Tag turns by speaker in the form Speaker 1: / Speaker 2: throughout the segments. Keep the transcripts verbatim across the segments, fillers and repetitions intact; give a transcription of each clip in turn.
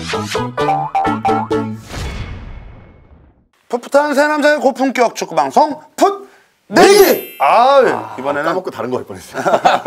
Speaker 1: 풋풋한 새 남자의 고품격 축구 방송 풋 내기. 아, 아 이번에는
Speaker 2: 까먹고 다른 거 할 뻔했어요.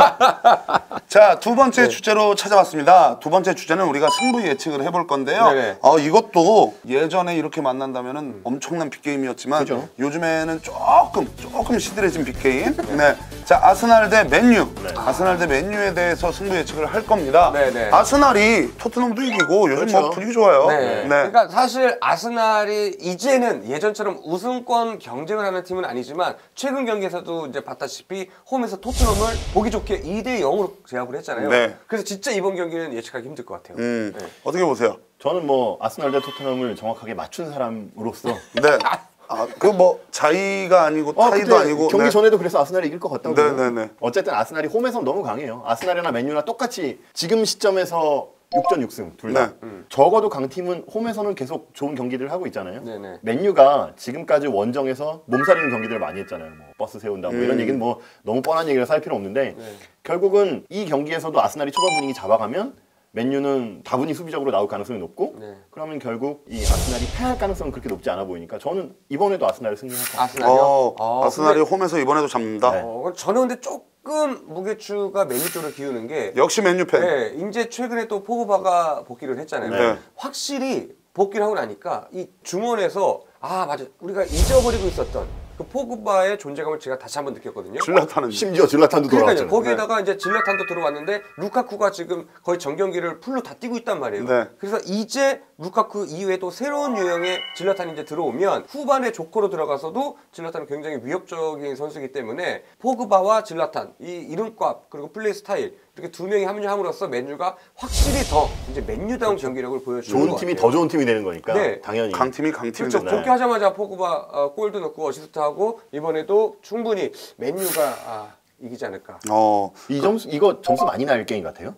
Speaker 1: 자, 두 번째
Speaker 2: 네.
Speaker 1: 주제로 찾아왔습니다. 두 번째 주제는 우리가 승부 예측을 해볼 건데요.
Speaker 2: 네네.
Speaker 1: 어, 이것도 예전에 이렇게 만난다면은 음. 엄청난 빅게임이었지만
Speaker 2: 그죠?
Speaker 1: 요즘에는 조금 조금 시들해진 빅게임. 네. 자, 아스날 대 맨유. 네. 아스날 대 맨유에 대해서 승부 예측을 할 겁니다. 네네. 아스날이 토트넘도 이기고 요즘 그렇죠. 뭐 분위기 좋아요.
Speaker 3: 네. 네. 그러니까 사실 아스날이 이제는 예전처럼 우승권 경쟁을 하는 팀은 아니지만 최근 경기에서도 이제 봤다시피 홈에서 토트넘을 보기 좋게 이 대 영으로 제압을 했잖아요. 네. 그래서 진짜 이번 경기는 예측하기 힘들 것 같아요.
Speaker 1: 음. 네. 어떻게 보세요?
Speaker 2: 저는 뭐 아스날 대 토트넘을 정확하게 맞춘 사람으로서
Speaker 1: 네. 아, 그 뭐 자의가 아니고
Speaker 2: 어,
Speaker 1: 타의도 아니고
Speaker 2: 경기
Speaker 1: 네.
Speaker 2: 전에도 그래서 아스날이 이길 것 같다고.
Speaker 1: 네네네.
Speaker 2: 어쨌든 아스날이 홈에서 너무 강해요. 아스날이나 맨유나 똑같이 지금 시점에서 육 전 육 승 둘 다. 네. 음. 적어도 강팀은 홈에서는 계속 좋은 경기들을 하고 있잖아요. 네네. 맨유가 지금까지 원정에서 몸살리는 경기들을 많이 했잖아요. 뭐 버스 세운다 뭐 음. 이런 얘기는 뭐 너무 뻔한 얘기라서 할 필요 없는데 네. 결국은 이 경기에서도 아스날이 초반 분위기 잡아가면 맨유는 다분히 수비적으로 나올 가능성이 높고 네. 그러면 결국 이 아스날이 패할 가능성은 그렇게 높지 않아 보이니까 저는 이번에도 아스날을 승리할 것 같아요.
Speaker 1: 아스날이요? 어, 아, 아스날이 근데... 홈에서 이번에도 잡는다?
Speaker 3: 네. 어, 저는 근데 조금 무게추가 맨유 쪽으로 기우는 게
Speaker 1: 역시 맨유 팬.
Speaker 3: 네, 이제 최근에 또 포그바가 복귀를 했잖아요. 네. 확실히 복귀를 하고 나니까 이 중원에서 아 맞아 우리가 잊어버리고 있었던 그 포그바의 존재감을 제가 다시 한번 느꼈거든요.
Speaker 1: 질라탄은
Speaker 2: 심지어 질라탄도 돌아왔잖아요.
Speaker 3: 거기에다가 네. 이제 질라탄도 들어왔는데 루카쿠가 지금 거의 전 경기를 풀로 다 뛰고 있단 말이에요. 네. 그래서 이제 루카쿠 이후에도 새로운 유형의 질라탄이 이제 들어오면 후반에 조커로 들어가서도 질라탄은 굉장히 위협적인 선수이기 때문에 포그바와 질라탄 이 이름값 그리고 플레이 스타일 이렇게 두 명이 합류함으로써 맨유가 확실히 더 이제 맨유다운 그렇죠. 경기력을 보여주는
Speaker 2: 좋은 팀이 더 좋은 팀이 되는 거니까 네. 당연히
Speaker 1: 강팀이 강팀이
Speaker 3: 그렇죠. 복귀하자마자 포그바 어, 골도 넣고 어시스트하고 이번에도 충분히 맨유가 아, 이기지 않을까.
Speaker 2: 어, 이 점수 이거 점수 많이 날 게임 같아요?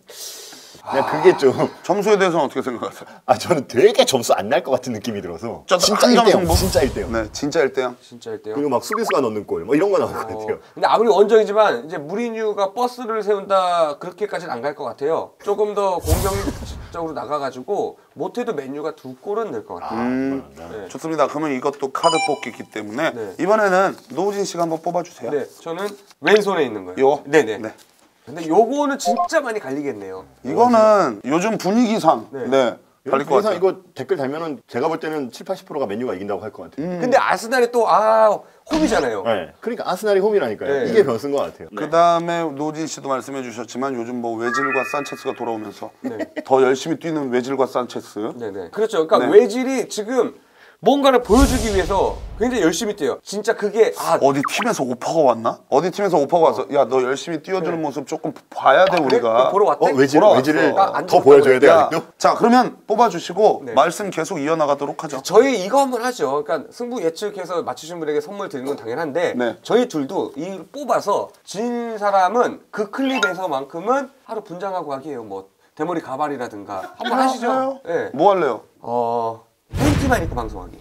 Speaker 2: 그냥 아... 그게 좀
Speaker 1: 점수에 대해서는 어떻게 생각하세요?
Speaker 2: 아 저는 되게 점수 안 날 것 같은 느낌이 들어서 진짜 일 대 영 진짜 일 대 영
Speaker 1: 네 진짜 일 대 영
Speaker 3: 진짜 일 대 영
Speaker 2: 그리고 막 수비수가 넣는 골 뭐 이런 거 나올 것
Speaker 3: 어...
Speaker 2: 같아요.
Speaker 3: 근데 아무리 원정이지만 이제 무리뉴가 버스를 세운다 그렇게까지는 안 갈 것 같아요. 조금 더 공격적으로 나가가지고 못해도 맨유가 두 골은 낼 것 같아요.
Speaker 1: 음... 네. 좋습니다. 그러면 이것도 카드 뽑기이기 때문에 네. 이번에는 노우진 씨가 한번 뽑아주세요.
Speaker 3: 네 저는 왼손에 있는 거예요.
Speaker 1: 요?
Speaker 3: 네네.
Speaker 1: 네.
Speaker 3: 근데 요거는 진짜 많이 갈리겠네요.
Speaker 1: 이거는 요즘 분위기상 네, 네 갈릴 것 같아요.
Speaker 2: 이거 댓글 달면은 제가 볼 때는 칠, 팔십 퍼센트가 맨유가 이긴다고 할 것 같아요.
Speaker 3: 음. 근데 아스날이 또 아 홈이잖아요.
Speaker 2: 네. 그러니까 아스날이 홈이라니까요. 네. 이게 변수인 것 같아요.
Speaker 1: 그 다음에 노진 씨도 말씀해 주셨지만 요즘 뭐 외질과 산체스가 돌아오면서 네. 더 열심히 뛰는 외질과 산체스.
Speaker 3: 네네. 그렇죠. 그러니까
Speaker 1: 네.
Speaker 3: 외질이 지금 뭔가를 보여주기 위해서 굉장히 열심히 뛰어요. 진짜 그게
Speaker 1: 아 어디 팀에서 오퍼가 왔나? 어디 팀에서 오퍼가 와서 야 너 열심히 뛰어주는 네. 모습 조금 봐야 돼 아, 우리가.
Speaker 3: 그래? 보러 왔대?
Speaker 2: 어, 외질, 외질을 아, 더 보여줘야 돼 아직도?
Speaker 1: 자 그러면 뽑아주시고 네. 말씀 계속 이어나가도록 하죠.
Speaker 3: 저희 이거 한번 하죠. 그러니까 승부 예측해서 맞추신 분에게 선물 드리는 건 당연한데 네. 저희 둘도 이 뽑아서 진 사람은 그 클립에서만큼은 하루 분장하고 하기에요. 뭐 대머리 가발이라든가 한번
Speaker 1: 아,
Speaker 3: 하시죠.
Speaker 1: 네. 뭐 할래요?
Speaker 3: 어... 팬티만 입고 방송하기.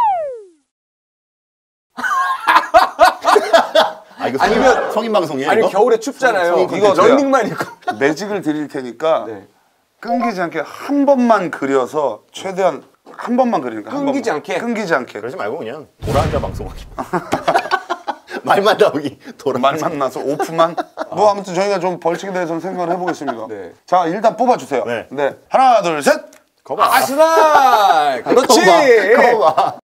Speaker 2: 아 이거 성인, 아니면 성인 방송이에요?
Speaker 3: 아니
Speaker 2: 이거?
Speaker 3: 겨울에 춥잖아요.
Speaker 1: 성인, 성인
Speaker 3: 이거 런닝만 입고
Speaker 1: 매직을 드릴 테니까 네. 끊기지 않게 한 번만 그려서 최대한 한 번만 그리니까
Speaker 3: 끊기지
Speaker 1: 한
Speaker 3: 않게
Speaker 1: 끊기지 않게
Speaker 2: 그러지 말고 그냥 돌아앉아 방송하기. 말만 나오기 돌아
Speaker 1: 말만 나서 오프만 뭐 아무튼 저희가 좀 벌칙에 대해서는 생각을 해보겠습니다. 네. 자 일단 뽑아주세요. 네. 네. 하나 둘 셋.
Speaker 2: 거봐.
Speaker 3: 아스날! 그렇지!
Speaker 2: 거봐.